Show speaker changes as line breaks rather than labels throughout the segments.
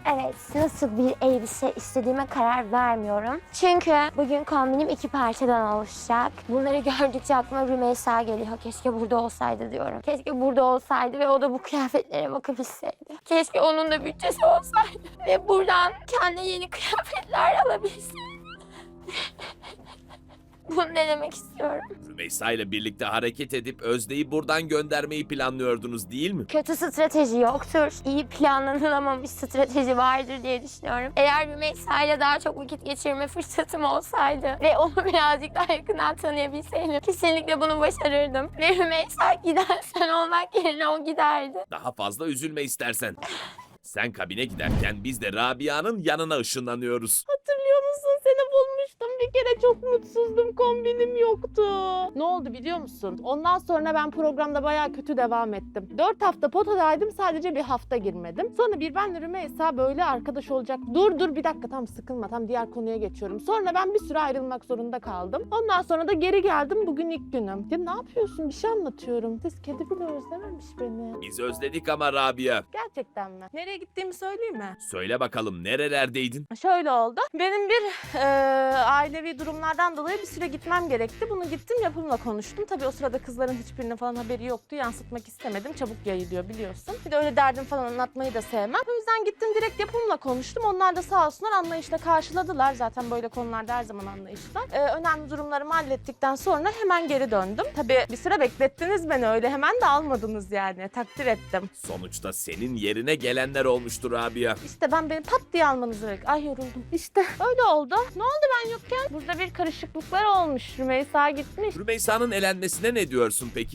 Evet, nasıl bir elbise istediğime karar vermiyorum. Çünkü bugün kombinim 2 parçadan oluşacak. Bunları gördükçe aklıma Rümeysa geliyor. Keşke burada olsaydı diyorum. Keşke burada olsaydı ve o da bu kıyafetlere bakabilseydi. Keşke onun da bütçesi olsaydı ve buradan kendine yeni kıyafetler alabilseydi. Bunu denemek istiyorum.
Rümeysa ile birlikte hareket edip Özde'yi buradan göndermeyi planlıyordunuz değil mi?
Kötü strateji yoktur. İyi planlanılamamış strateji vardır diye düşünüyorum. Eğer Rümeysa ile daha çok vakit geçirme fırsatım olsaydı ve onu birazcık daha yakından tanıyabilseydim kesinlikle bunu başarırdım. Ve Rümeysa gidersen olmak yerine o giderdi.
Daha fazla üzülme istersen. Sen kabine giderken biz de Rabia'nın yanına ışınlanıyoruz.
Hatırlıyor musun? Seni bulmuştum. Bir kere çok mutsuzdum. Kombinim yoktu. Ne oldu biliyor musun? Ondan sonra ben programda bayağı kötü devam ettim. 4 hafta potadaydım. Sadece bir hafta girmedim. Sonra bir benle Rümeysa böyle arkadaş olacak. Dur bir dakika, tam sıkılma. Tam diğer konuya geçiyorum. Sonra ben bir süre ayrılmak zorunda kaldım. Ondan sonra da geri geldim. Bugün ilk günüm. Ya ne yapıyorsun? Bir şey anlatıyorum. Siz kedi bile özlememiş beni.
Biz özledik ama Rabia.
Gerçekten mi? Nereye gittiğimi söyleyeyim mi?
Söyle bakalım nerelerdeydin?
Şöyle oldu. Benim bir ailevi durumlardan dolayı bir süre gitmem gerekti. Bunu gittim, yapımla konuştum. Tabii o sırada kızların hiçbirinin falan haberi yoktu. Yansıtmak istemedim. Çabuk yayılıyor biliyorsun. Bir de öyle derdim falan anlatmayı da sevmem. O yüzden gittim, direkt yapımla konuştum. Onlar da sağ olsunlar anlayışla karşıladılar. Zaten böyle konularda her zaman anlayışlar. Önemli durumlarımı hallettikten sonra hemen geri döndüm. Tabii bir süre beklettiniz beni, öyle hemen de almadınız yani. Takdir ettim.
Sonuçta senin yerine gelenler olmuştur Rabia.
İşte beni pat diye almanızı bekliyorum. Ay yoruldum. İşte öyle oldu. Ne oldu ben yokken? Burada bir karışıklıklar olmuş. Rümeysa gitmiş.
Rümeysa'nın elenmesine ne diyorsun peki?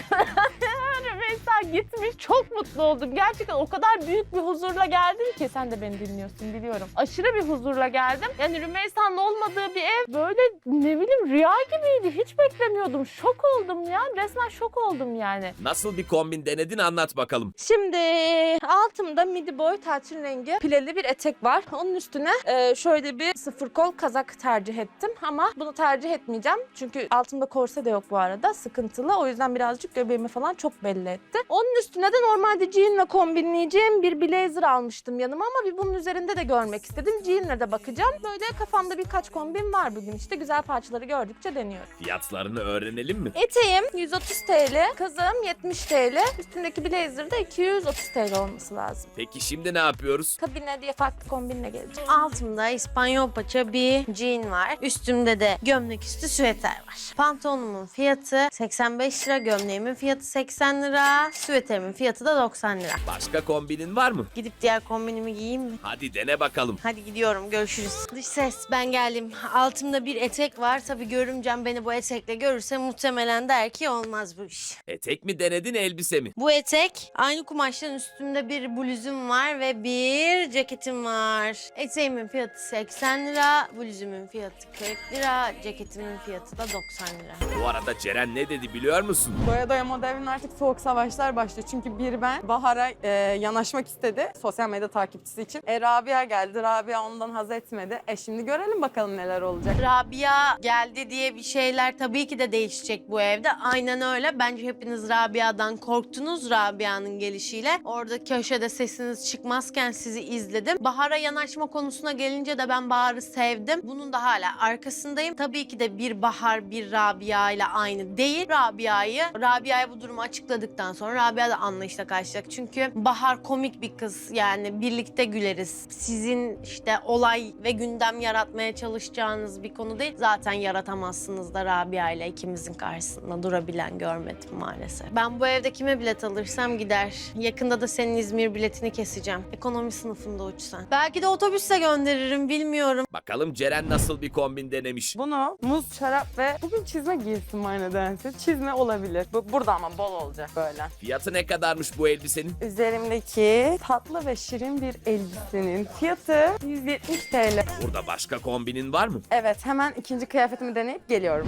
Rümeysa gitmiş. Çok mutlu oldum. Gerçekten o kadar büyük bir huzurla geldim ki. Sen de beni dinliyorsun biliyorum. Aşırı bir huzurla geldim. Yani Rümeysa'nın olmadığı bir ev böyle ne bileyim rüya gibiydi. Hiç beklemiyordum. Şok oldum ya. Resmen şok oldum yani.
Nasıl bir kombin denedin anlat bakalım.
Şimdi altımda midi boy tarçın rengi pileli bir etek var. Onun üstüne şöyle bir sıfır kol kazak tercih ettim ama bunu tercih etmeyeceğim. Çünkü altımda korse de yok bu arada, sıkıntılı. O yüzden birazcık göbeğimi falan çok belli etti. Onun üstüne de normalde jeanle kombinleyeceğim bir blazer almıştım yanıma ama bir bunun üzerinde de görmek istedim. Jeanle de bakacağım. Böyle kafamda birkaç kombin var bugün işte. Güzel parçaları gördükçe deniyorum.
Fiyatlarını öğrenelim mi?
Eteğim 130 TL, kazağım 70 TL, üstündeki blazer de 230 TL olması lazım.
Peki şimdi ne yapıyoruz?
Kabine diye farklı kombinle geleceğim.
Altımda İspanyol paça bir jean var. Üstümde de gömlek üstü süveter var. Pantolonumun fiyatı 85 lira, gömleğimin fiyatı 80 lira, süveterimin fiyatı da 90 lira.
Başka kombinin var mı?
Gidip diğer kombinimi giyeyim mi?
Hadi dene bakalım.
Hadi gidiyorum, görüşürüz. Dış ses, ben geldim. Altımda bir etek var. Tabii görümcem beni bu etekle görürse muhtemelen der ki olmaz bu iş.
Etek mi denedin elbise mi?
Bu etek aynı kumaştan, üstümde bir bluzum var ve bir ceketim var. Eteğimin fiyatı 80 lira, bluzumun fiyatı 40 lira, ceketimin fiyatı da 90 lira.
Bu arada Ceren ne dedi biliyor musun?
Doya doya moda evinin artık soğuk savaşlar başlıyor. Çünkü ben Bahar'a yanaşmak istedi sosyal medya takipçisi için. Rabia geldi. Rabia ondan haz etmedi. Şimdi görelim bakalım neler olacak.
Rabia geldi diye bir şeyler tabii ki de değişecek bu evde. Aynen öyle. Bence hepiniz Rabia'dan korktunuz, Rabia'nın gelişiyle. Orada köşede sesiniz çıkmazken sizi izledim. Bahar'a yanaşma konusuna gelince de ben Bahar'ı sevdim. Bunun da hala arkasındayım. Tabii ki de bir Bahar bir Rabia ile aynı değil. Rabia'ya bu durumu açıkladıktan sonra Rabia da anlayışla karşılayacak. Çünkü Bahar komik bir kız. Yani birlikte güleriz. Sizin işte olay ve gündem yaratmaya çalışacağınız bir konu değil. Zaten yaratamazsınız da Rabia ile ikimizin karşısında durabilen görmedim maalesef. Ben bu evde kime bilet alırsam gider. Yakında da senin İzmir biletini keseceğim. Ekonomi sınıfında uçsan. Belki de otobüsle gönderirim, bilmiyorum.
Bakalım Ceren nasıl bir kombin denemiş.
Bunu muz, şarap ve bugün çizme giysin var nedense. Çizme olabilir. Burada ama bol olacak böyle.
Fiyatı ne kadarmış bu elbisenin?
Üzerimdeki tatlı ve şirin bir elbisenin fiyatı 170 TL.
Burada başka kombinin var mı?
Evet, hemen ikinci kıyafetimi deneyip geliyorum.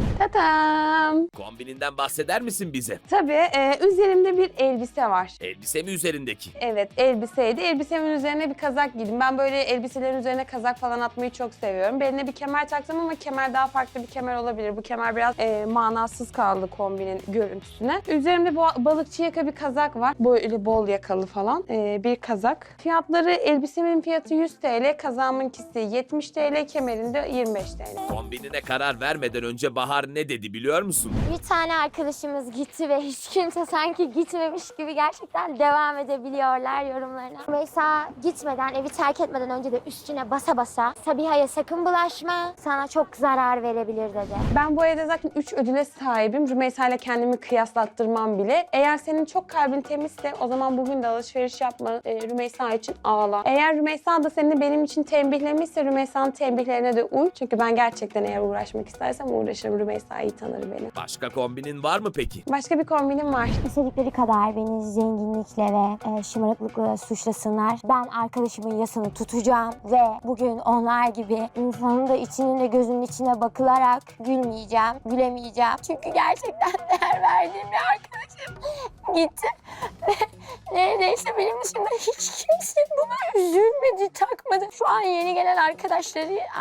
Tatam.
Kombininden bahseder misin bize?
Tabii üzerimde bir elbise var.
Elbise mi üzerindeki?
Evet, elbiseydi. Elbisemin üzerine bir kazak giydim. Ben böyle elbiselerin üzerine kazak falan atmayı çok seviyorum. Beline bir kemer kemer taktım ama kemer daha farklı bir kemer olabilir. Bu kemer biraz manasız kaldı kombinin görüntüsüne. Üzerimde bu balıkçı yaka bir kazak var. Böyle bol yakalı falan bir kazak. Fiyatları, elbisemin fiyatı 100 TL, kazağımınkisi 70 TL, kemerinde 25 TL.
Kombinine karar vermeden önce Bahar ne dedi biliyor musun?
Bir tane arkadaşımız gitti ve hiç kimse sanki gitmemiş gibi gerçekten devam edebiliyorlar yorumlarına. Rümeysa gitmeden, evi terk etmeden önce de üstüne basa basa Sabiha'ya sakın bulaşma, sana çok zarar verebilir dedi.
Ben bu evde zaten 3 ödüle sahibim. Rümeysa ile kendimi kıyaslattırmam bile. Eğer senin çok kalbin temizse o zaman bugün de alışveriş yapma. Rümeysa için ağla. Eğer Rümeysa da seni benim için tembihlemişse Rümeysa'nın tembihlerine de uy. Çünkü ben gerçekten eğer uğraşmak istersem uğraşırım. Rümeysa iyi tanır beni.
Başka kombinin var mı peki?
Başka bir kombinim var.
İstedikleri kadar beni zenginlikle ve şımarıklıkla suçlasınlar. Ben arkadaşımın yasını tutacağım ve bugün onlar gibi insanın da içinin de gözünün içine bakılarak gülmeyeceğim, gülemeyeceğim. Çünkü gerçekten değer verdiğim bir arkadaşım gitti ve neredeyse benim dışında hiç kimse buna üzülmedi, takmadı. Şu an yeni gelen arkadaşı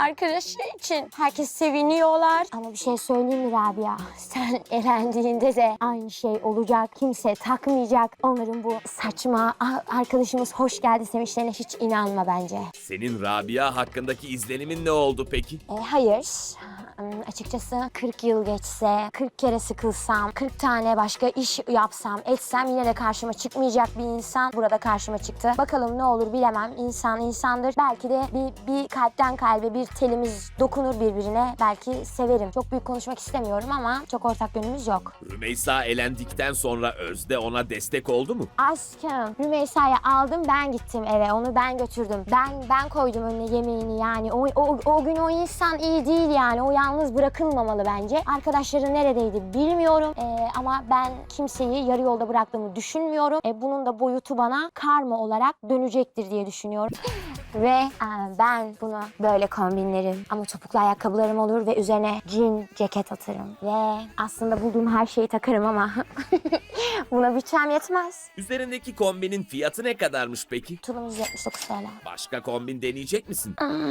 için herkes seviniyorlar. Ama bir şey söyleyeyim mi Rabia? Sen elendiğinde de aynı şey olacak. Kimse takmayacak. Onların bu saçma arkadaşımız hoş geldi sevinçlerine hiç inanma bence.
Senin Rabia hakkındaki izlenimin ne oldu peki?
Hayır. Açıkçası 40 yıl geçse, 40 kere sıkılsam, 40 tane başka iş yapsam, etsem yine de karşıma çıkmayacak bir insan burada karşıma çıktı. Bakalım ne olur bilemem. İnsan insandır. Belki de bir kalpten kalbe bir telimiz dokunur birbirine. Belki severim. Çok büyük konuşmak istemiyorum ama çok ortak yönümüz yok.
Rümeysa elendikten sonra Özde ona destek oldu mu?
Aşkım, Rümeysa'yı aldım, ben gittim eve. Onu ben götürdüm. Ben koydum önüne yemeğini yani. O gün o insan iyi değil yani. O yalnız bırakılmamalı bence. Arkadaşları neredeydi bilmiyorum. Ama ben kimseyi yarı yolda bıraktığımı düşünmüyorum. Bunun da boyutu bana karma olarak dönecektir diye düşünüyorum. Ve ben bunu böyle kombinlerim. Ama topuklu ayakkabılarım olur ve üzerine jean ceket atarım. Ve aslında bulduğum her şeyi takarım ama buna bütçem yetmez.
Üzerindeki kombinin fiyatı ne kadarmış peki?
Tulum 179 TL.
Başka kombin deneyecek misin?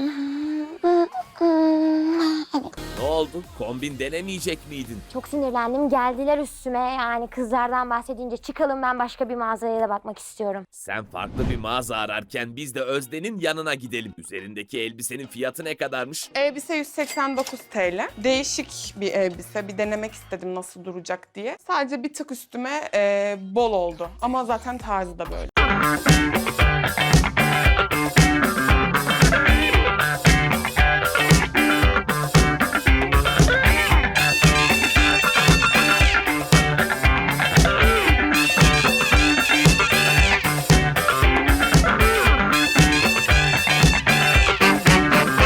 Evet.
Ne oldu? Kombin denemeyecek miydin?
Çok sinirlendim. Geldiler üstüme. Yani kızlardan bahsedince çıkalım, ben başka bir mağazaya da bakmak istiyorum.
Sen farklı bir mağaza ararken biz de Özde'nin yanına gidelim. Üzerindeki elbisenin fiyatı ne kadarmış?
Elbise 189 TL. Değişik bir elbise. Bir denemek istedim nasıl duracak diye. Sadece bir tık üstüme bol oldu. Ama zaten tarzı da böyle.